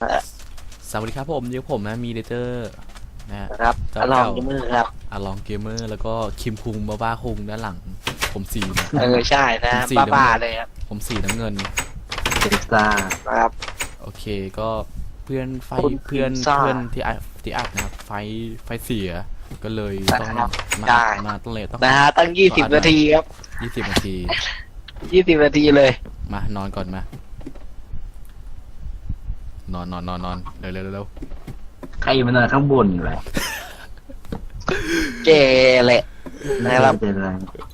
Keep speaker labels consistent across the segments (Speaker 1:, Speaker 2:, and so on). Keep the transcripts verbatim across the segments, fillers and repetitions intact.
Speaker 1: สวัสดีครับผมอยู่ผมนะมีเดเตอร์นะฮะ
Speaker 2: ครับ
Speaker 1: เจ้า
Speaker 2: อลอง
Speaker 1: เก่า
Speaker 2: ยมือครับ
Speaker 1: อาลองเกมเมอร์แล้วก็คิมคุงบ้าบ้าคุงด้านหลัง ผมสีนะ
Speaker 2: เออใช่นะ
Speaker 1: ผมสี
Speaker 2: บ้า
Speaker 1: น้ำเงิน
Speaker 2: ๆเลยครับ
Speaker 1: ผมสีน้ำเงิน
Speaker 3: พิซซ่า
Speaker 2: นะครับ
Speaker 1: โอเคก็เพื่อนไฟ
Speaker 2: คุณ
Speaker 1: เพื่อน
Speaker 2: พิซซ่า
Speaker 1: เพื่อนที่อัดที่อัดนะครับไฟไฟเสียก็เลยต้อง
Speaker 2: นะครับ
Speaker 1: มา
Speaker 2: ได้
Speaker 1: มาต้องเลยต้อง
Speaker 2: นะฮะตั้งยี่สิบ
Speaker 1: อัด
Speaker 2: นาทีครับ
Speaker 1: ยี่สิบนาที
Speaker 2: ยี่สิบนาทีเลย
Speaker 1: มานอนก่อนมา นอนนอนนอนนอนเร็วเร็วเร็ว
Speaker 3: ใครมันนอนข้างบนอยู่เลย
Speaker 2: เจแหละ นะครับ
Speaker 3: เป็นไร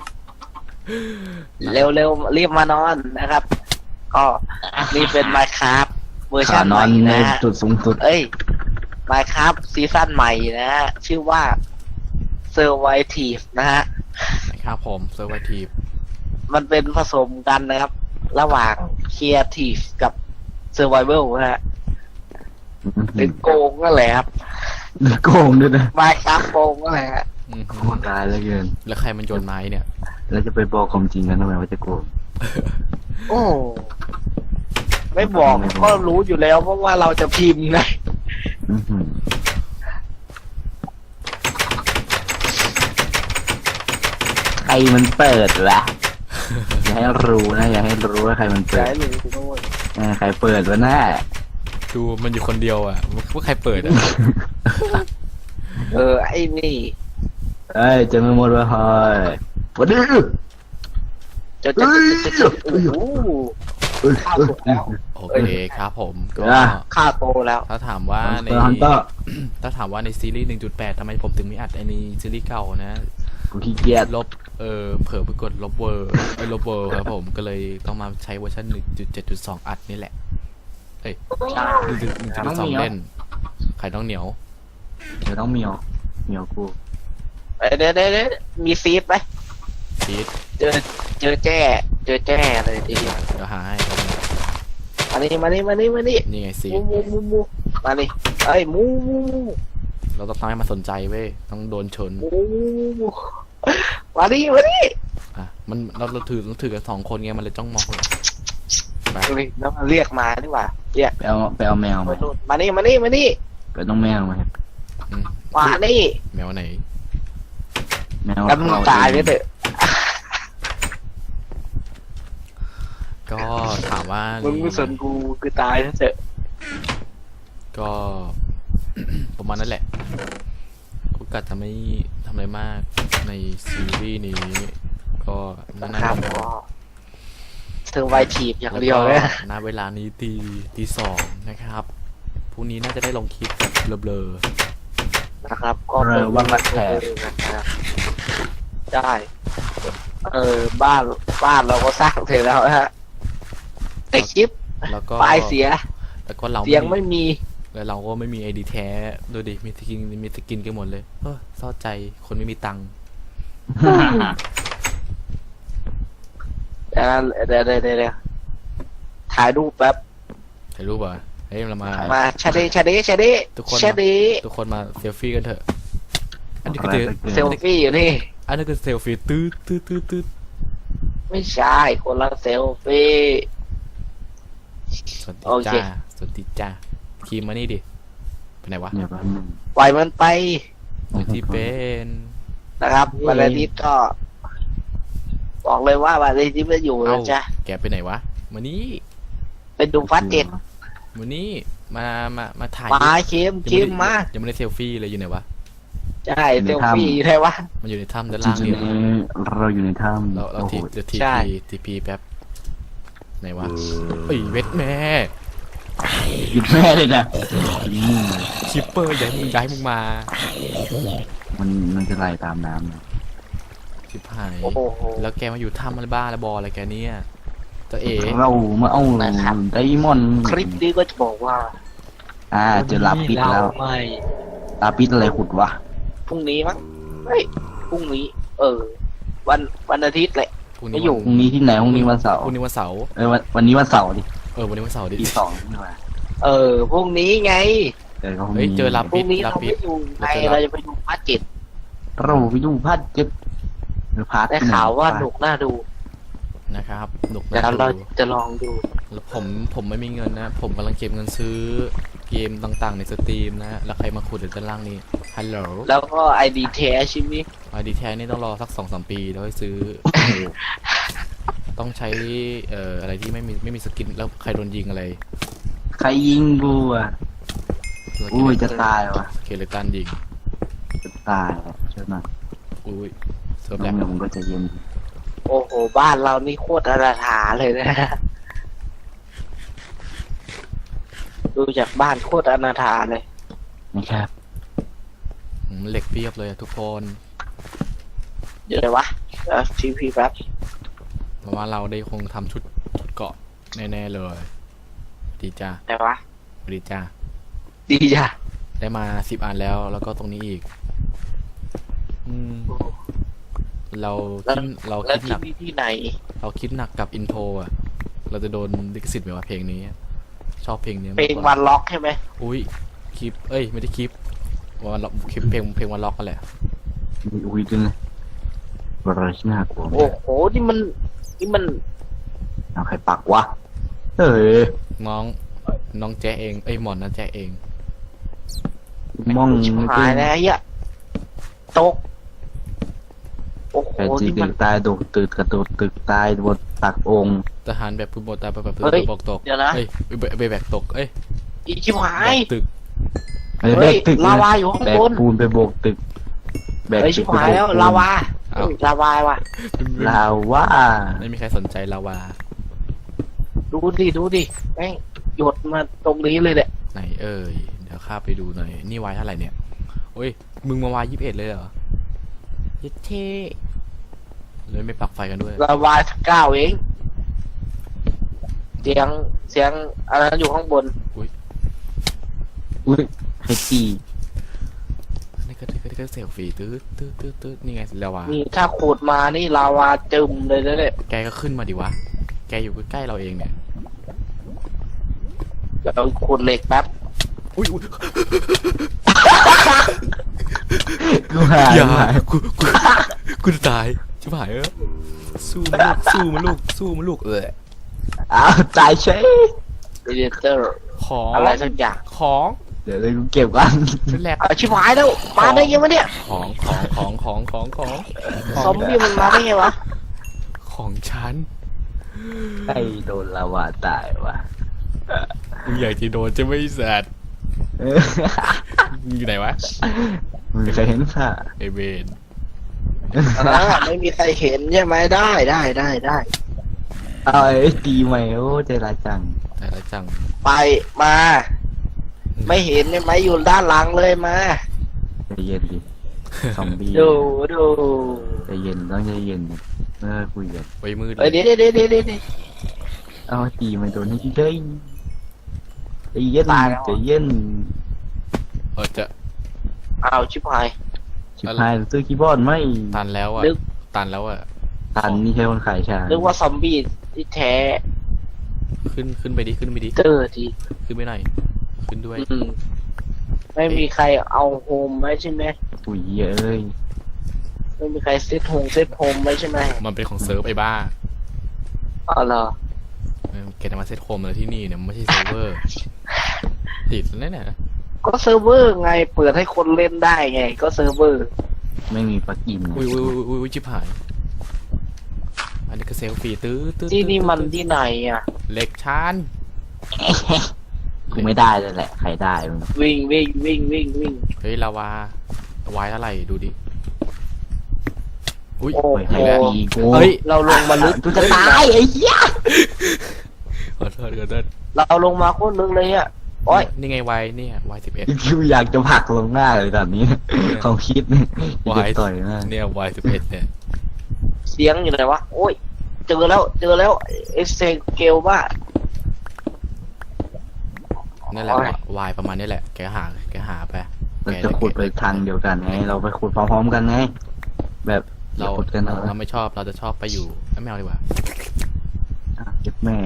Speaker 2: เร็วเร็วๆรีบมานอนนะครับ ก็นี่เป็น Minecraft เวอร์ชั
Speaker 3: ขาน น
Speaker 2: ให
Speaker 3: อ
Speaker 2: ม่
Speaker 3: นใน
Speaker 2: นะฮะ
Speaker 3: จุดสูงสุด
Speaker 2: เอ้ย Minecraft ซีซั่นใหม่นะฮะ ชื่อว่า Survive นะฮะ
Speaker 1: นะครับผมเซอร์ไวทีฟ
Speaker 2: มันเป็นผสมกันนะครับ ระหว่าง Creative กับ Survival นะฮะหรือโกงนั่นแหละครับ
Speaker 3: โกงด้วยนะ
Speaker 2: Minecraft โกงนั่นแหละฮะ
Speaker 1: อืม
Speaker 3: โคตรร้ายเหลือเกิน
Speaker 1: แล้วใครมันโยนไม้เนี่ย
Speaker 3: แล้วจะไปบอกความจริงกันทำไมว่าจะโกง
Speaker 2: โอ้ ไม่บอกก็รู้อยู่แล้วเพราะว่าเราจะพิมพ์ไง
Speaker 3: อื้อหือใครมันเปิดวะ อย่าให้รู้นะอย่าให้รู้ว่าใครมันเปิ
Speaker 2: ใช่
Speaker 3: ด
Speaker 2: หรือคุณโน้ย
Speaker 3: เออใครเปิดวะหน้า
Speaker 1: ดูมันอยู่คนเดียวอ่ะว่าใครเปิดอ่ะ
Speaker 2: เออ ไอ้นี่
Speaker 3: เอ้ยเจะไม่หมดวะเฮ้ยวันนี้
Speaker 2: จะจะจะจะจะโอ้โห
Speaker 3: เอ้ย
Speaker 2: ข้าวสุกแล้ว
Speaker 1: โอเคครับผมก็
Speaker 3: อ่ะ
Speaker 2: ข้าวโตแล้ว
Speaker 1: ถ้าถามว่าใน
Speaker 3: ฮันเตอร์
Speaker 1: ถ้าถามว่าในซีรีส์ หนึ่งจุดแปด ทำไมผมถึงไม่อัดไอ้นี่ซีรีส์เก่านะ
Speaker 3: กูขี้เกียจ
Speaker 1: ลบเออเผลอไปกดลบเวอร์ไอ้ลบเวอร์ครับผมก็เลยต้องมาใช้เวอร์ชัน หนึ่งจุดเจ็ดจุดสอง อัดนี่แหละ เอ้ย
Speaker 2: ใช่
Speaker 1: หนึ่งจุดสองเล่นไข่ต้องเหนียว
Speaker 3: เดี๋ยวต้องเมียวเมียวกู
Speaker 2: เอ้ยเดี๋ยวเดี๋ยวเดี๋ยวมีซีฟไหม
Speaker 1: ซีด
Speaker 2: เจอเจอแจ้เจอแจ้เลยทีเดียว
Speaker 1: เดี๋ยวหาให้ครับ
Speaker 2: มานี่มานี่มานี่มานี่
Speaker 1: นี่ไงซี
Speaker 2: มู
Speaker 1: ด
Speaker 2: มูมูมูมานี่เอ้ยมูมูมู
Speaker 1: เราต้องทำให้มันสนใจเว้ยต้องโดนชน
Speaker 2: มูมูมูมานี่มานี่
Speaker 1: อ่ะมันเราเราถือเราถือกันสองคนไงมันเลยต้องมองไป
Speaker 2: เฮ้ยแล้วมันเรียกมาดีกว่าเรียก
Speaker 3: ไปเอาไปเอาแมว
Speaker 2: มา
Speaker 3: มา
Speaker 2: นู่นมานี่มานี่มานี่
Speaker 3: ไปต้องแมวมา
Speaker 1: อืม
Speaker 2: มานี่
Speaker 1: แมวไหน
Speaker 3: แมว
Speaker 2: กันมึงตายไปเถอะ
Speaker 1: ก็ถามว่า
Speaker 2: มึงไม่สนกูคือตายซะเถอะ
Speaker 1: ก็ ประมาณนั้นแหละโอกาสจะไม่ทำอะไรมากในซีรีส์นี้ ก็น่า
Speaker 2: ครับ
Speaker 1: จะ
Speaker 2: ก็เธอไวทีบอย่างเดียวเลย
Speaker 1: ณเวลานี้ตีตีสองนะครับพรุ่งนี้น่าจะได้ลงคลิปแบบเบลอ
Speaker 2: นะครับ ก็
Speaker 3: เออว่างรักแท้
Speaker 2: นะครับได้เออบ้านบ้านเราก็สร้างเสร็จแล้วฮะแต่คลิป
Speaker 1: ๆแล้วก็
Speaker 2: ไฟล์เสีย
Speaker 1: แล้วก็เรา
Speaker 2: เสียงไม่มี
Speaker 1: แล้วเราก็ไม่มีไอดีแท้ดูดิมีสกินมีสกินกันหมดเลยเออเศร้าใจคนไม่มีตังค์
Speaker 2: เดี๋ยวเดี๋ยวเดี๋ยวเดี๋ยวถ่ายรูปแป๊บ
Speaker 1: ถ่ายรูปอ่ะเฮ้ยเรามา
Speaker 2: มาชาเดชาเดชาเด
Speaker 1: ทุกคน
Speaker 2: ชาเด
Speaker 1: ทุกคนมาเซลฟี่กันเถอะอันนี้
Speaker 3: อะ
Speaker 1: คือ
Speaker 3: ไร
Speaker 1: เซล
Speaker 3: ไปเกิ
Speaker 2: เซลฟี่อยู่นี่
Speaker 1: อันนี้คือเซลฟี่ตื้อตื้อตื้อตื้อ
Speaker 2: ไม่ใช่คนละเซลฟี่
Speaker 1: สวัสดี
Speaker 2: โอเค
Speaker 1: จ้าสวัสดีจ้าคีมมานี่ดิไปไหนวะ
Speaker 3: เนี่ยแป๊บนึง
Speaker 2: ปล่อยมันไป
Speaker 1: อยู่ที่เป็น
Speaker 2: นะครับวันอาทิตย์ก็ บอกเลยว่าวันอาทิตย์ไม่อยู่
Speaker 1: เอ้า
Speaker 2: นะจ๊ะ
Speaker 1: แกไปไหนวะมานี่
Speaker 2: เป็นดูฟัดเจ็ด
Speaker 1: มานี่มามามาถ่าย
Speaker 2: มาเค็ม
Speaker 1: ยัง
Speaker 2: เค็
Speaker 1: ไได้
Speaker 2: มมา
Speaker 1: ยังไม่ได้เซลฟี่เลยอยู่ไหนวะ
Speaker 2: ใช่เซลฟี่อยู่ไหนวะ
Speaker 1: มันอยู่ในถ้ำด้าน
Speaker 3: จริ
Speaker 1: ล่าง
Speaker 3: ง
Speaker 1: นี่
Speaker 3: ๆนี้เราอยู่ในถ้ำ
Speaker 1: เราเรา
Speaker 3: โอ้โห
Speaker 1: ทีเดี๋ยวที
Speaker 2: ใช่
Speaker 1: พีทีพีแป๊บไหนวะเอ้ยเวทแม่
Speaker 3: หยุดแม่เลยนะอืม
Speaker 1: คิปเปอร์ย้ายมึงย้ายมึงมา
Speaker 3: มันมันจะไล่ตามน้ำนะ
Speaker 1: ชิบหาย
Speaker 2: โอ้โห
Speaker 1: แล้วแกมาอยู่ถ้ำอะไรบ้าอะไรบออะไรแกเนี่ยจะเอ๋
Speaker 3: เรามาเอา
Speaker 2: นะครับ
Speaker 3: ไดมอนด์
Speaker 2: คลิปนี้ก็จะบอกว่า
Speaker 3: อ่าเจอลาปิดแล้ว
Speaker 2: ไม่
Speaker 3: ลาปิดอะไรขุดวะ
Speaker 2: พรุ่งนี้มั้งเฮ้ยพรุ่งนี้ เออ วันวันอาทิตย์แหละ
Speaker 1: พรุ่ง
Speaker 2: ไม่
Speaker 1: นี้
Speaker 2: อยู่
Speaker 3: พรุ่งนี้ที่ไหนพรุ่งนี้วันเสาร์
Speaker 1: พรุ่งนี้วันเสาร์
Speaker 3: เออวันวันนี้วันเสาร์ดิ
Speaker 1: เออวันนี้วันเสาร์ดิ
Speaker 3: ที่สองนี่หว่า
Speaker 2: เออพรุ่งนี้ไง
Speaker 3: เออก็พรุ่ง
Speaker 1: เฮ้ย
Speaker 3: นี้
Speaker 1: เจอลา
Speaker 2: พรุ่
Speaker 1: ปิ
Speaker 2: ง
Speaker 1: ด
Speaker 2: นี้
Speaker 1: ลา
Speaker 2: เรา
Speaker 1: ปิ
Speaker 2: ไม่
Speaker 1: ด
Speaker 2: อยู่ไง
Speaker 1: เราจะ
Speaker 2: เราจะไปดูพาร์ทเจ็ด
Speaker 3: เราไปดูพัดเจ็บหรือพัด
Speaker 2: ได้ข่าวว่าหนุกน่าดู
Speaker 1: นะครับหนุก
Speaker 2: เดี๋ยว
Speaker 1: นะ
Speaker 2: เรา
Speaker 1: ดู
Speaker 2: จะลองดู
Speaker 1: แล้วผมผมไม่มีเงินนะ ผมกำลังเก็บเงินซื้อเกมต่างๆในสตรีมนะแล้วใครมาขุดอยู่ด้านล่างนี้ฮัลโหล
Speaker 2: แล้วก็ไอดีแท้ใช่ไหม
Speaker 1: ไอดีแท้นี่ต้องรอสักสองสามปีแล้วค่อยซื้อ ต้องใช้เอ่ออะไรที่ไม่มีไม่มีสกินแล้วใครโดนยิงอะไร
Speaker 3: ใครยิงกูอ่ะอุ้ยจะตายว่ะ
Speaker 1: สเคเลตันยิง
Speaker 3: จะตายว่ะใช่ไหม
Speaker 1: อุ้ยเซิร์ฟ
Speaker 3: น้
Speaker 1: แล
Speaker 3: อง
Speaker 1: บ
Speaker 3: หนุ่มก็จะเย็น
Speaker 2: โอ้โหบ้านเรานี่โคตรอนาถาเลยนะ ดูจากบ้านโคตรอนาถาเลย
Speaker 3: นะครับ
Speaker 1: อืมเหล็กเพียบเลยอะทุกคน
Speaker 2: เดี๋ยวเลยวะเออทีพีแป๊บ
Speaker 1: เพราะว่าเราได้คงทำชุดชุดเกาะแน่ๆเลย ดีจ้า
Speaker 2: เดี๋ยววะ
Speaker 1: ดีจ้า
Speaker 2: ดีจ้ะ
Speaker 1: ได้มาสิบอันแล้วแล้วก็ตรงนี้อีก อืม เราคิดเรา
Speaker 2: แล้ว
Speaker 1: คิดห
Speaker 2: ที่
Speaker 1: นัก
Speaker 2: นี่ที่ไหน
Speaker 1: เราคิดหนักกับอินโทรอ่ะ เราจะโดนลิขสิทธิ์ไหมว่าเพลงนี้ ชอบเพลงนี้
Speaker 2: เพลง
Speaker 1: มากก
Speaker 2: วั
Speaker 1: ว่าน
Speaker 2: ล็อกใช่ไหม
Speaker 1: อุ้ยคลิป เอ้ยไม่ได้คลิปวันล็อกคลิปเพลงเพลงวันล็อกกันแหละ
Speaker 3: มีอุ้ยด้วยนะอะไรที่น่ากลัว
Speaker 2: โอ้โหนี่มันนี่มัน
Speaker 3: เอาใครปักวะเอ้ย
Speaker 1: น้องน้องแจ๊เองเอ้ยหมอนนะแจ๊เอง
Speaker 3: มอง
Speaker 2: ชิบ
Speaker 3: ไม่
Speaker 2: หา
Speaker 3: ขึ้
Speaker 2: ย
Speaker 3: น
Speaker 2: แล้วเฮียตกโอ้โห
Speaker 3: ใครจี
Speaker 2: นี่
Speaker 3: ตึ
Speaker 2: มัน
Speaker 3: กตายโดดตึกกระโดดตึกตายบนตักองค์
Speaker 1: ทหารแบบพื้นบนตายแบบแบบ
Speaker 2: เฮ้ย
Speaker 1: บอกตก
Speaker 2: เดี๋ยวนะ
Speaker 1: เอ้ยเบเบแบกตกเอ้ย
Speaker 2: อีชิบหา
Speaker 1: แบ
Speaker 2: ย
Speaker 1: กตึก
Speaker 3: ไอ้แบ
Speaker 2: เฮ้ย
Speaker 3: กตึก
Speaker 2: ลาวาอยู่ข้าง
Speaker 3: แบก
Speaker 2: บน
Speaker 3: ปูนไปโบกตึกแบก
Speaker 2: เฮ้ย
Speaker 3: ตึ
Speaker 2: ชิบ
Speaker 3: กไป
Speaker 2: หาย
Speaker 3: โบก
Speaker 2: แล้ว
Speaker 3: ปูน
Speaker 2: ลาวา
Speaker 1: เอ้า
Speaker 2: เฮ้ยลาวาว่ะ
Speaker 3: ลาวา
Speaker 1: ไม่มีใครสนใจลาวา
Speaker 2: ดูดิดูดิแม่งหยดมาตรงนี้เลยแหละ
Speaker 1: ไหนเอ้ยเดี๋ยวข้าไปดูหน่อยนี่วายเท่าไหร่เนี่ยโอ้ยมึงมาวายยี่สิบเอ็ดเลยเหรอเย็ดเท่เลยไม่ปักไฟกันด้วย
Speaker 2: ลาวาสักเก้าเองเสียงเสียงอะไรอยู่ข้างบน
Speaker 3: อุ้ยไอ้จี
Speaker 1: นี่ก็นี่ก็นี่ก็เซลฟี่ตื้อตื้อตื้อตื้อนี่ไงลาวา
Speaker 2: นี่ถ้าขูดมานี่ลาวาจึมเลยนะเนี่ย
Speaker 1: แกก็ขึ้นมาดิวะแกอยู่ใกล้ๆเราเองเนี่ย
Speaker 2: เดี๋ยวขูดเหล็กแป๊บ
Speaker 1: อุ้ยอุ้ย
Speaker 3: กูหาย
Speaker 1: อย่า
Speaker 3: หาย
Speaker 1: กูกูกูจะตายชิบหายเออสู้มันลูกสู้มันลูกสู้มันลูกเออ
Speaker 3: อ้าวตายเฉย
Speaker 2: เดเตอร์
Speaker 1: ของ
Speaker 2: อะไรสักอย่าง
Speaker 1: ของ
Speaker 3: เดี๋ยวเลยกูเก็บกัน
Speaker 1: เป็นแหลก
Speaker 2: เอาชิบหายแล้วมาได้ยังวะเนี่ย
Speaker 1: ของของของของของของ
Speaker 2: ซอมบี้มันมาได้ไงวะ
Speaker 1: ของฉัน
Speaker 3: ไอ้โดนลาวาตายวะ
Speaker 1: มึงอยากจะโดนจะไม่แสด
Speaker 3: เออ
Speaker 1: มึงอยู่ไหนวะ
Speaker 3: มึงเคยเห็นค่ะ
Speaker 1: ไอเวน
Speaker 2: อ่าไม่มีใครเห็นใช่ไหมได้ได้ได้ได้
Speaker 3: เอาไอ้ตีใหม่โอ้ใจร้ายจัง
Speaker 1: แต่ละจัง
Speaker 2: ไปมา ไม่เห็นใช่ไหมอยู่ด้านหลังเลยมา
Speaker 3: ใจเย็นดิซอมบี้
Speaker 2: ดูดู
Speaker 3: ใจเย็นต้องใจเย็นเออคุยกัน
Speaker 1: ไว้มืดเล
Speaker 2: เอ้ย
Speaker 1: ย
Speaker 2: เดี๋ยวเดี๋ยวเดี๋ยวเดี๋ยวเดี๋ยว
Speaker 3: เอาตีมันโดนให้เฉยใจเย็น
Speaker 2: ตายแล้ว
Speaker 3: ใจเย็น
Speaker 1: เออจะ
Speaker 2: เอาชิบหาย
Speaker 3: ชิบหายซื้อคีย์บอร์ดไหม
Speaker 1: ตันแล้วอ่ะ
Speaker 2: นึก
Speaker 1: ตันแล้วอ่ะ
Speaker 3: ตันนี่ใช่คนขายชา
Speaker 2: นึกว่าซอมบี้ที่แท้
Speaker 1: ขึ้นขึ้นไปดิขึ้นไปดิ
Speaker 2: เจอที
Speaker 1: ขึ้นไปหน่อยขึ้นด้วย
Speaker 2: อืมไม่มีใครเอาโฮมไว้ใช่ไหม
Speaker 3: ปุ๋ยเอ้ย
Speaker 2: ไม่มีใครเซตโฮมเซตโฮมไว้ใช่ไหม
Speaker 1: มันเป็นของเซิร์ฟไอ้บ้า
Speaker 2: อ๋อเหรอ
Speaker 1: เออแกจะมาเซตโฮมเลยที่นี่เนี่ยมันไม่ใช่เซิร์ฟเวอร์ติดแล้วเนี่ย
Speaker 2: ก็เซิร์ฟเวอร์ไงเปิดให้คนเล่นได้ไง ก็เซิร์ฟเวอร์
Speaker 3: ไม่มีปลั๊กอิน
Speaker 1: อุ้ยอุ้ยอุ้ยอุ้ยอุ้ยชิบหายอันนี้ก็เซลฟี่ตื้อตื้อ
Speaker 2: ที่นี่มัน
Speaker 1: ตื้อ
Speaker 2: ที่ไหนอ่ะ
Speaker 1: เหล็กชาน
Speaker 3: กูไม่ได้เลยแหละใครได้มึง
Speaker 2: วิ่งวิ่งวิ่งวิ่งวิ่ง
Speaker 1: เฮ้ยลาวาวายเท่าไหร่ดูดิอุ้ย
Speaker 2: โอ้
Speaker 3: เฮ้ย
Speaker 2: โห
Speaker 3: ใครดีกู
Speaker 1: เฮ้ย
Speaker 2: เราลงมาลึก
Speaker 3: กูจะตายไอ้เหี้ย
Speaker 1: ขอโทษขอโทษ
Speaker 2: เราลงมาโคตรลึกเลยอ่ะโอ้ย
Speaker 1: นี่ไงวายเนี่ยวายสิบเอ็ด
Speaker 3: กูอยากจะผลักลงหน้าเลยตอนนี้เขาคิดเนี่ยจะ
Speaker 1: วาย
Speaker 3: ต่อยมาก
Speaker 1: เนี่ยวายสิบเอ็ดเนี่ย
Speaker 2: เสียงอยู่ไหนวะโอ้ยเจอแล้วเจอแล้วเอ็กเซเกลว่า
Speaker 1: นั่นแหละ
Speaker 2: โอ้ย
Speaker 1: วายประมาณนี้แหละแกหาแกหาไป
Speaker 3: เราจะขุดไปทางเดียวกันไงเราไปขุดพร้อมๆกันไงแบบอย่
Speaker 1: เรา
Speaker 3: ขุดกันเอา
Speaker 1: เราไม่ชอบเราจะชอบไปอยู่เอ้ยไม่เอาดีกว่า
Speaker 3: อ่ะเก็บแม่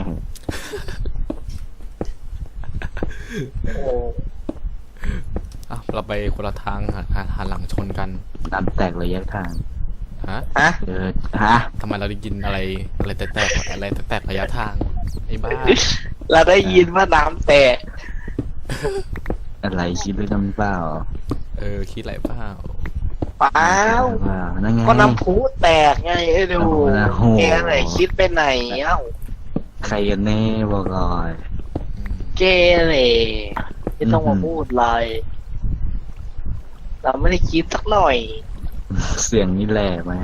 Speaker 2: โอ้
Speaker 1: อ่ะเราไปคนละทางหาหาหาหลังชนกัน
Speaker 3: ดันแตกระยะทาง
Speaker 1: ฮะ
Speaker 2: ฮะ
Speaker 3: เออฮะ
Speaker 1: ทำไมเราได้ยินอะไรอะไรแตกๆอะไรแตกๆระยะทางไอ้บ้า
Speaker 2: เราได้ยินว่าน้ำแตก
Speaker 3: อะไรคิดด้วยกันเปล่า
Speaker 1: เออคิดอะไรเปล่า
Speaker 2: เปล่า
Speaker 3: เปล่านั่นไง
Speaker 2: ก็น้ำพุแตกไงไอ้ดู
Speaker 3: โอ้โห
Speaker 2: แกไหนคิดไปไหนเอ้า
Speaker 3: ใครกันแน่บอกก่อน
Speaker 1: อืม
Speaker 2: เกเลยไม่ต้องมาพูดเลยเราไม่ได้คิดสักหน่อย
Speaker 3: เสียงนี่แหละมา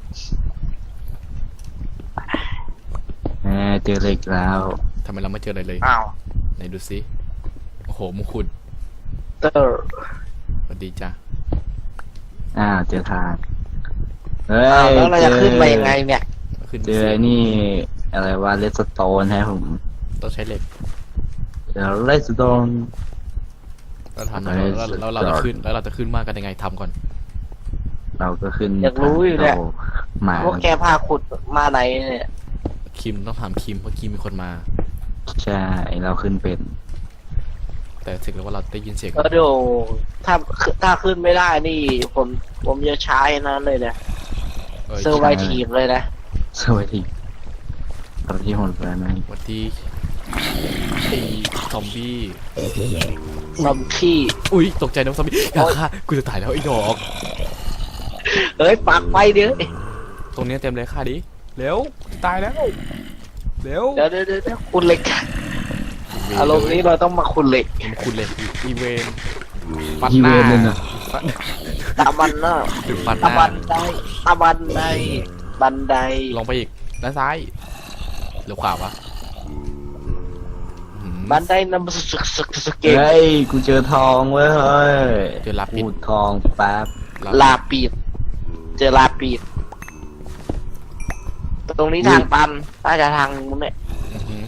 Speaker 3: แหมเจอเหล็กแล้ว
Speaker 1: ทำไมเราไม่เจออะไรเลย
Speaker 2: อ้าว
Speaker 1: ไหนดูซิโอ้โหมงคุด
Speaker 2: เตอร์
Speaker 1: สวัสดีจ้ะ
Speaker 3: อ้าวเจอทางเฮ้
Speaker 2: อ้าวย แล้วเราจะ
Speaker 3: จอ
Speaker 2: ขึ้นไปยังไงเนี่ย
Speaker 1: ขึ้น
Speaker 3: เจอไอ้นี่อะไรว่าเลสโตนฮะผม
Speaker 1: ต้องใช้เหล็ก
Speaker 3: เจอเลสโตน
Speaker 1: เราทำแล้วแล้วแล้วเราจะขึ้นแล้วเราจะขึ้นมากกันยังไงทำก่อน
Speaker 3: เราก็ขึ้น
Speaker 2: อยากรู้อยู่เนี่ย
Speaker 3: หมา
Speaker 2: พวกแกพาขุดมาไหนเนี่ย
Speaker 1: คิมต้องถามคิมเพราะคิมมีคนมา
Speaker 3: ใช่เราขึ้นเป็น
Speaker 1: แต่ถึงแล้วว่าเราได้ยินเสียง
Speaker 2: ก็ดูถ้าถ้าขึ้นไม่ได้นี่ผมผมจะใช้นั้นเลยนะ
Speaker 1: เออ
Speaker 2: เซอร์ไวทีมเลยนะ
Speaker 3: สวัสดีตอนที่หดไปไหม
Speaker 1: วันที่ไอ้ซอมบี้
Speaker 2: ซอมขี้
Speaker 1: อุ้ยตกใจน้องซอมบี้อย่าฆ่ากูจะตายแล้วไอ้ดอก
Speaker 2: เฮ้ยปักไปเดี๋ยว
Speaker 1: ตรงเนี้ยเต็มเลยฆ่าดิเร็วตายแล้วเร็ว
Speaker 2: เดี๋ยวเดี๋ยวเดี๋ยวคุณเหล็กอารมณ์นี้เราต้องมาคุณเหล็ก
Speaker 1: มันคุณเลยอีเวนฟัน
Speaker 3: อี
Speaker 1: ห
Speaker 3: เว
Speaker 1: น้าน
Speaker 3: เลยนะ
Speaker 1: ฟัน
Speaker 2: ตะบันเนาะ
Speaker 1: ถึงฟันห
Speaker 2: ตะ
Speaker 1: น้า
Speaker 2: บันไดตะบันไดบันได
Speaker 1: ลงไปอีกด้านซ้ายหรือขวาวะอื้อหือ
Speaker 2: บันไดนำสึกสึกสึกเกม
Speaker 3: เฮ้ยกูเจอทองเว้ยเฮ้ย
Speaker 1: เจอลาปิด
Speaker 3: พูดทองแป๊บ
Speaker 2: ลาปีดเจอลาปีดตรงนี้ทางตันน่าจะทางนู้นเนี่ย
Speaker 1: อื้อหือ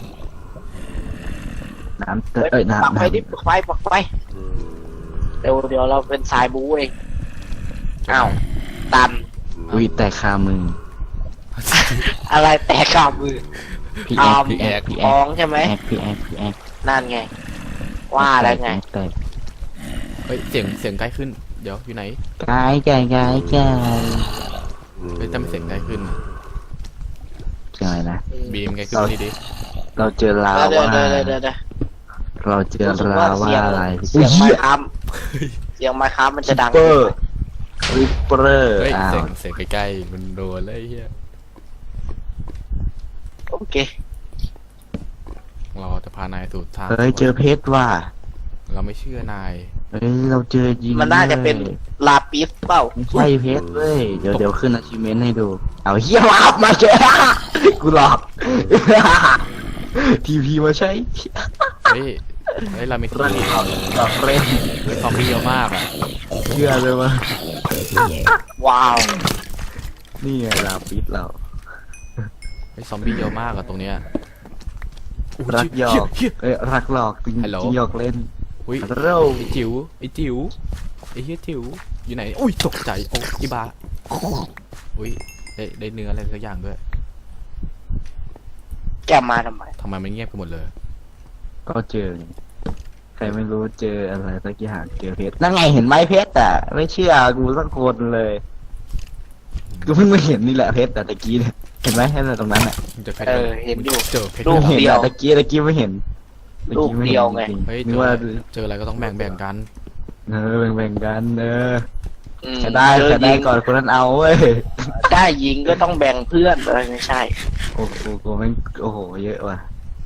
Speaker 3: น้ำเตเอ้ย
Speaker 2: ปัก
Speaker 3: น้ำ
Speaker 2: ไปดิปักไปปักไปเดี๋ยวเดี๋ยวเราเป็นสายบูเองอ้าวตัน
Speaker 3: อุ้ยแต่คามือ
Speaker 2: อะไรแตกข้ามือ
Speaker 3: พี่
Speaker 2: ท
Speaker 3: แอ๊ก
Speaker 2: ำ
Speaker 3: พี่แอ๊กพี่
Speaker 2: ท้
Speaker 3: แอ๊
Speaker 2: อก งใช่ไหม
Speaker 3: พี่แอ๊กพี่แอ๊ก
Speaker 2: นั่นไง ว่าแล้วไง
Speaker 3: แต่
Speaker 1: เฮ้ยเสียงเสียงใกล้ขึ้นเดี๋ยวอยู่ไหน
Speaker 3: กายกายกายกาย
Speaker 1: เฮ้ยแต่ไม่เสียงใกล้ขึ้น
Speaker 3: เจออะไรนะ
Speaker 1: บีมใกล้ขึ้นนี่ดิ
Speaker 3: เราเจอลา
Speaker 2: เดี๋ยว
Speaker 3: ว่า
Speaker 2: เดี๋ยวเดี๋ยวเดี๋ยว
Speaker 3: เราเจอ
Speaker 2: รู้สึก
Speaker 3: ลา
Speaker 2: ว่า
Speaker 3: ว่า
Speaker 2: เสียง
Speaker 3: อะไร
Speaker 2: เสียง
Speaker 3: เหี้
Speaker 2: ไม้
Speaker 3: ย
Speaker 2: ค้ำเสียงไม้ค้ำมันจะดัง
Speaker 3: เปอร์ริปเปอร์
Speaker 1: เฮ้ย
Speaker 3: อ้า
Speaker 1: เสี
Speaker 3: วย
Speaker 1: งเสียงใกล้ๆมันโดนเลยไอ้เฮีย
Speaker 2: โอเค
Speaker 1: เราจะพานายสู่ทาง
Speaker 3: เฮ้ยเจอเพชรว่ะ
Speaker 1: เราไม่เชื่อนาย
Speaker 3: เฮ้ยเราเจอจริง
Speaker 2: มันน่าจะเป็นลาปิสเปล่า
Speaker 3: ไม่ใช่เพชรเว้ยเดี๋ยวเดี๋ยวขึ้น achievement ให้ดู เอาเฮียมาอัพมาเจอ กูหลอก ทีพีมาใช้
Speaker 1: เฮ้ยเฮ้ยเรามี
Speaker 3: รันหลอกหลอกเล่น
Speaker 1: เฮ้ยซอมบี้เยอะมากอ่ะ
Speaker 3: เชื่อเลยว่า
Speaker 2: ว้าว
Speaker 3: นี่ไงลาปิดเรา
Speaker 1: เฮ้ยซอมบี้เยอะมากอะตรงเนี้ยอุ๊
Speaker 3: รักหยอก
Speaker 1: เฮีย
Speaker 3: เอ้ยรักหลอกจริง
Speaker 1: ฮัลโหล
Speaker 3: จริงหยอกเล่น
Speaker 1: อุ้ย
Speaker 3: ฮัลโหล
Speaker 1: ไอจิ๋วไอจิ๋วไอเฮียจิ๋วอยู่ไหนอุ้ยตกใจโอ้อีบาอุ้ยได้ได้เนื้ออะไรสักอย่างด้วย
Speaker 2: แกมาทำไม
Speaker 1: ทำไมมันเงียบไปหมดเลย
Speaker 3: ก็เจอไงใครไม่รู้เจออะไรสักอย่างเจอเพชรนั่นไงเห็นไหมเพชรอ่ะไม่เชื่อกูสักคนเลยกูเพิ่งมาเห็นนี่แหละเพชรแต่ตะกี้เนี่ยเห็นไหมเห็นอะไรตรงนั้นอ่ะ
Speaker 1: มันเจอเพชร
Speaker 2: เออเห็นอยู่
Speaker 1: เจอเพชร
Speaker 2: รูป
Speaker 3: เห็น
Speaker 2: เดียว
Speaker 3: อะตะกี้ตะกี้ไม่เห็นตะกี้ม่ห็น
Speaker 2: รูปเดียวไง
Speaker 3: จริๆ
Speaker 1: เฮ้ย
Speaker 3: นึ
Speaker 1: เจ
Speaker 3: ก
Speaker 1: อ
Speaker 3: ว่า
Speaker 1: อะไรเจออะไรก็ต้องแบ่งแบ่งกัน
Speaker 3: เออแบ่งๆกันเออ
Speaker 2: อืม
Speaker 3: ใครได้
Speaker 2: เจอ
Speaker 3: ใครได้
Speaker 2: ยิง
Speaker 3: ก่อนคนนั้นเอาเว้ย
Speaker 2: ได้ยิงก็ต้องแบ่งเพื่อนเออไม่ใช่
Speaker 3: โอ้โหกูแม่งโอ้โหเยอะว่ะ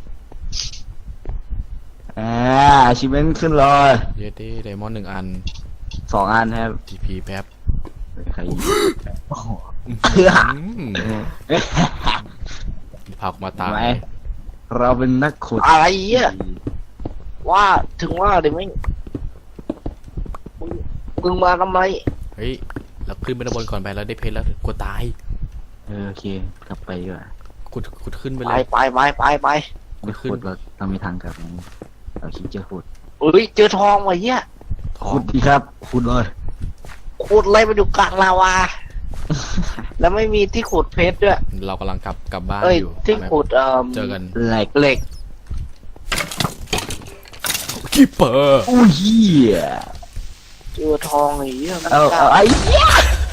Speaker 3: อ่าชิเมนขึ้นเลย
Speaker 1: เยตี้ไดมอนด์หนึ่งอัน
Speaker 3: สองอันครับ
Speaker 1: ทีพีแป๊บ
Speaker 3: ใครยิงโอ้โห
Speaker 1: อืมพากูมาตาย
Speaker 3: ไหมเราเป็นนักขุด
Speaker 2: อะไรเงี้ยว่าถึงว่าเดี๋ยวไม่งมึงมึงมาทำไม
Speaker 1: เฮ้ยเราขึ้นไปด้านบนก่อนไปแล้วได้เพชรแล้วกลัวตาย
Speaker 3: เออโอเคกลับไปดีกว่า
Speaker 1: ขุดขุดขึ้นไป
Speaker 2: ไป
Speaker 1: เลย
Speaker 2: ไปไปไปไป
Speaker 1: ไม่ขึ้น
Speaker 3: ขุดเราเรามีทางกลับไหมเราคิดจะขุด
Speaker 2: อุ้ยเจอทองว่ะเหี้ย
Speaker 1: ท้อ
Speaker 3: ขุ
Speaker 1: ง
Speaker 3: ดดีครับขุดเลย
Speaker 2: ขุดอะไรไปอยู่กลางลาวา แล้วไม่มีที่ขุดเพชรด้วย
Speaker 1: เรากำลังกลับกลับบ้าน
Speaker 2: เอ้ย
Speaker 1: อยู่
Speaker 2: ที่ขุดเอ่อ
Speaker 1: เจอกัน
Speaker 3: แหลก
Speaker 2: เหล็ก
Speaker 1: คิปเปอร์
Speaker 3: อู้เหี้ย
Speaker 2: เจอทองไอ้เหี้ยมัน
Speaker 3: เอา
Speaker 2: กล้า
Speaker 3: เอาไอ้เหี้ย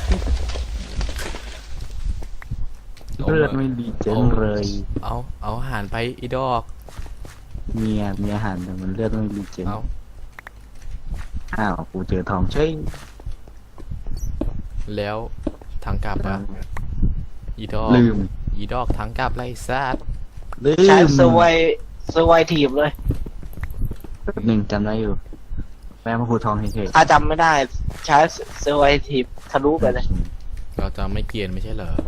Speaker 3: เลือดไม่ดีจังเลย
Speaker 1: เอาเอาอาหารไปอีดอก
Speaker 3: เมียมีอาหารแต่มันเลือดไม่ดีจัง
Speaker 1: เอา
Speaker 3: อ้าวกูเจอทองเฉย
Speaker 1: แล้วทางกลับอะอีดอก
Speaker 3: ลืม
Speaker 1: อีดอกทางกลับไรซัด
Speaker 3: ลื
Speaker 2: ใช้
Speaker 3: ม
Speaker 2: เซอร์ไวเซอร์ไวทีมเลย
Speaker 3: แป๊บหนึ่งจำได้อยู่แม่มาคูทองเฉย
Speaker 2: ถ้าจำไม่ได้ใช้เซอร์ไวทีมทะลุไปเลย
Speaker 1: เราจะไม่เกรียนไม่ใช่เหรอ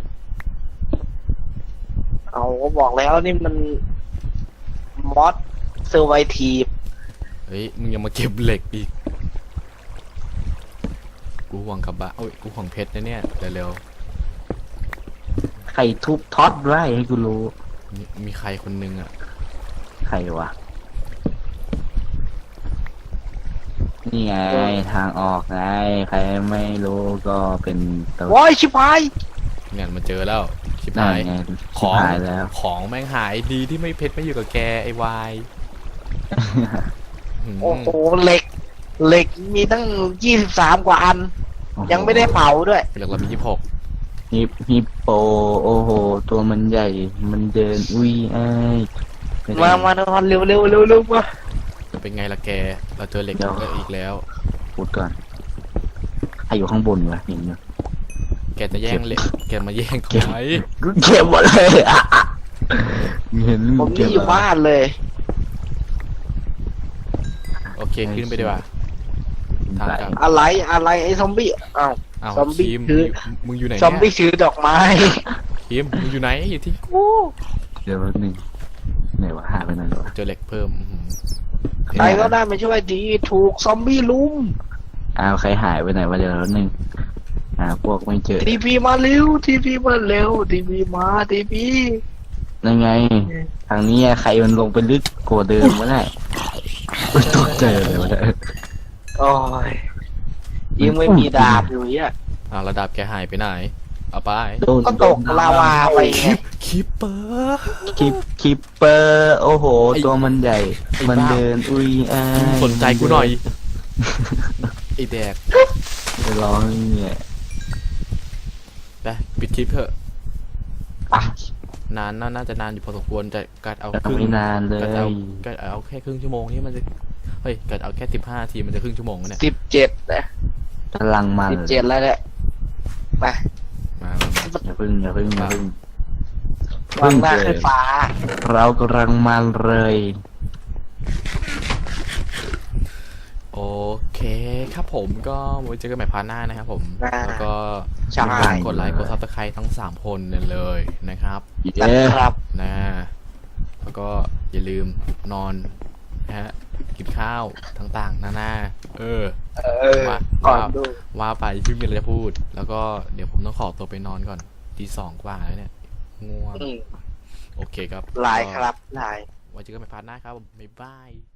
Speaker 2: เอาก็บอกแล้วนี่มันมอสเซอร์ไวทีม
Speaker 1: เฮ้ยมึงยังมาเก็บเหล็กอีกกูหวังกับบะโอ้ยกูหวังเพชรนะเนี่ยเร็ว
Speaker 3: ใครทุบท็อตไว้ให้กูรู้
Speaker 1: ๆมีมีใครคนนึงอะ
Speaker 3: ใครวะ นี่ไงทางออกไง ใครไม่รู้ก็เป็นตัว
Speaker 2: โว้ยชิบหาย
Speaker 1: เนี่ยมันเจอแล้วชิบ
Speaker 3: นั่น
Speaker 1: หาย
Speaker 3: ไง
Speaker 1: ข
Speaker 3: ชิ
Speaker 1: อบ ง
Speaker 3: หายแล้ว
Speaker 1: ของแม่งหายดีที่ไม่เพชรไม่อยู่กับแกไอ้วายหืม
Speaker 2: โอ้โหเหล็ก เหล็กมีตั้งยี่สิบสามกว่าอัน ยังไม่ได้เผาด้วย
Speaker 1: เหล็กเรามียี่สิบหก
Speaker 3: ฮิปฮิปโป โอ้โห ตัวมันใหญ่ มันเดิน อุ้ยไอ้ายไปไหน
Speaker 2: มามาทอนเร็วเร็วเร็วเร็วมา
Speaker 1: จะเป็นไงล่ะแก เราเจอเหล็ก
Speaker 3: เดี๋ยว
Speaker 1: อีกแล้ว
Speaker 3: พูดก่อนใครอยู่ข้างบนวะเห็นอยู่
Speaker 1: แกจะแย่งเหล็ก แกมาแย่งทำไม
Speaker 3: กูเก็บหมดเลยอะอะเห็น
Speaker 2: ผม
Speaker 3: เก็
Speaker 2: นี่
Speaker 3: บ
Speaker 2: อยู่บ้านเลย
Speaker 1: โอเคขึ้นไปดีกว่าทางกลับ
Speaker 2: อะไรอะไรไอ้ซอมบี้อ้าว
Speaker 1: อ้าว
Speaker 2: ซอมบี้
Speaker 1: คิม
Speaker 2: คือ
Speaker 1: มึงอยู่ไหน
Speaker 2: ซอมบี้
Speaker 1: เนี่ย
Speaker 2: ถือดอกไม้
Speaker 1: คิมมึงอยู่ไหนอยู่ที่กู
Speaker 3: เดี๋ยวแป๊บนึงไหนวะหาไปไหนวะ
Speaker 1: เจอเหล็กเพิ่มอื้อหือ
Speaker 2: ใครก็ได้มาช่วยดีถูกซอมบี้ลุม
Speaker 3: อ้าวใครหายไปไหนวะเดี๋ยวแป๊บนึงหาพวกไม่เจอ
Speaker 2: ทีพีมาเร็วทีพีมาเร็วทีพีมาทีพี
Speaker 3: นั่นไง ทางนี้ใครมันลงไปลึกกว่าเดิมวะเนี่ยอุ๊ยตกใจเลยวะเนี่ย
Speaker 2: โอ้ยยังไม่มีดาบอยู่เนี่ย
Speaker 1: อ่าระดับแกหายไปไหน เอาไป
Speaker 3: โดน
Speaker 2: ก็ตกลาวาไปไง
Speaker 1: คิปเปอร์
Speaker 3: คลิปคลิปเปอร์โอ้โห
Speaker 1: ไอ้
Speaker 3: ตัวมันใหญ่
Speaker 1: ไอ้
Speaker 3: มัน
Speaker 1: บ้า
Speaker 3: เดิน อุ้ยอ้าย
Speaker 1: สนใจกูหน่อยไอแดก
Speaker 3: ไปร้องเนี่ย
Speaker 1: ไปปิดคลิปเถอะ
Speaker 3: อ่ะ
Speaker 1: นานน่าน่าจะนานอยู่พอสมควรแต่กัดเอา
Speaker 3: แต่
Speaker 1: ครึ่ง
Speaker 3: ไม่นานเลย
Speaker 1: กัดเอากัดเอาแค่ครึ่งชั่วโมงนี่มันจะเฮ้ยกัดเอาแค่สิบห้าทีมันจะครึ่งชั่วโมงแล้วเนี่ย
Speaker 2: สิบเจ็ดนะ
Speaker 3: กำลังมัน
Speaker 2: สิบเจ็ดแล้วเนี่ยไป
Speaker 1: มามามา
Speaker 3: อย่าพึ่งอย่าพึ่งอย่าพึ่ง
Speaker 2: วางหน้าขึ้นฟ้า
Speaker 3: เรากำลังมันเลย
Speaker 1: โอเคครับผมก็ไว้เจอกันใหม่พาร์ทหน้านะครับผม
Speaker 2: อ่า
Speaker 1: แล้วก็
Speaker 2: ใช่
Speaker 1: กดไลค์กดซับสไครต์ทั้งสามคนเลยนะครับ
Speaker 3: เย้
Speaker 2: นะครับ
Speaker 1: นะแล้วก็อย่าลืมนอนนะฮะกินข้าวต่างๆนานาเออ
Speaker 2: เออ
Speaker 1: ว่า
Speaker 2: ก่อน
Speaker 1: ว่า
Speaker 2: ดู
Speaker 1: ว่าไปที่มีอะไรจะพูด แล้วก็เดี๋ยวผมต้องขอตัวไปนอนก่อนตีสองกว่าแล้วเนี่ยง่วง
Speaker 2: อืม
Speaker 1: โอเคครับ
Speaker 2: ลายครับลาย
Speaker 1: ไว้เจอกันใหม่พาร์ทหน้าครับบ๊ายบาย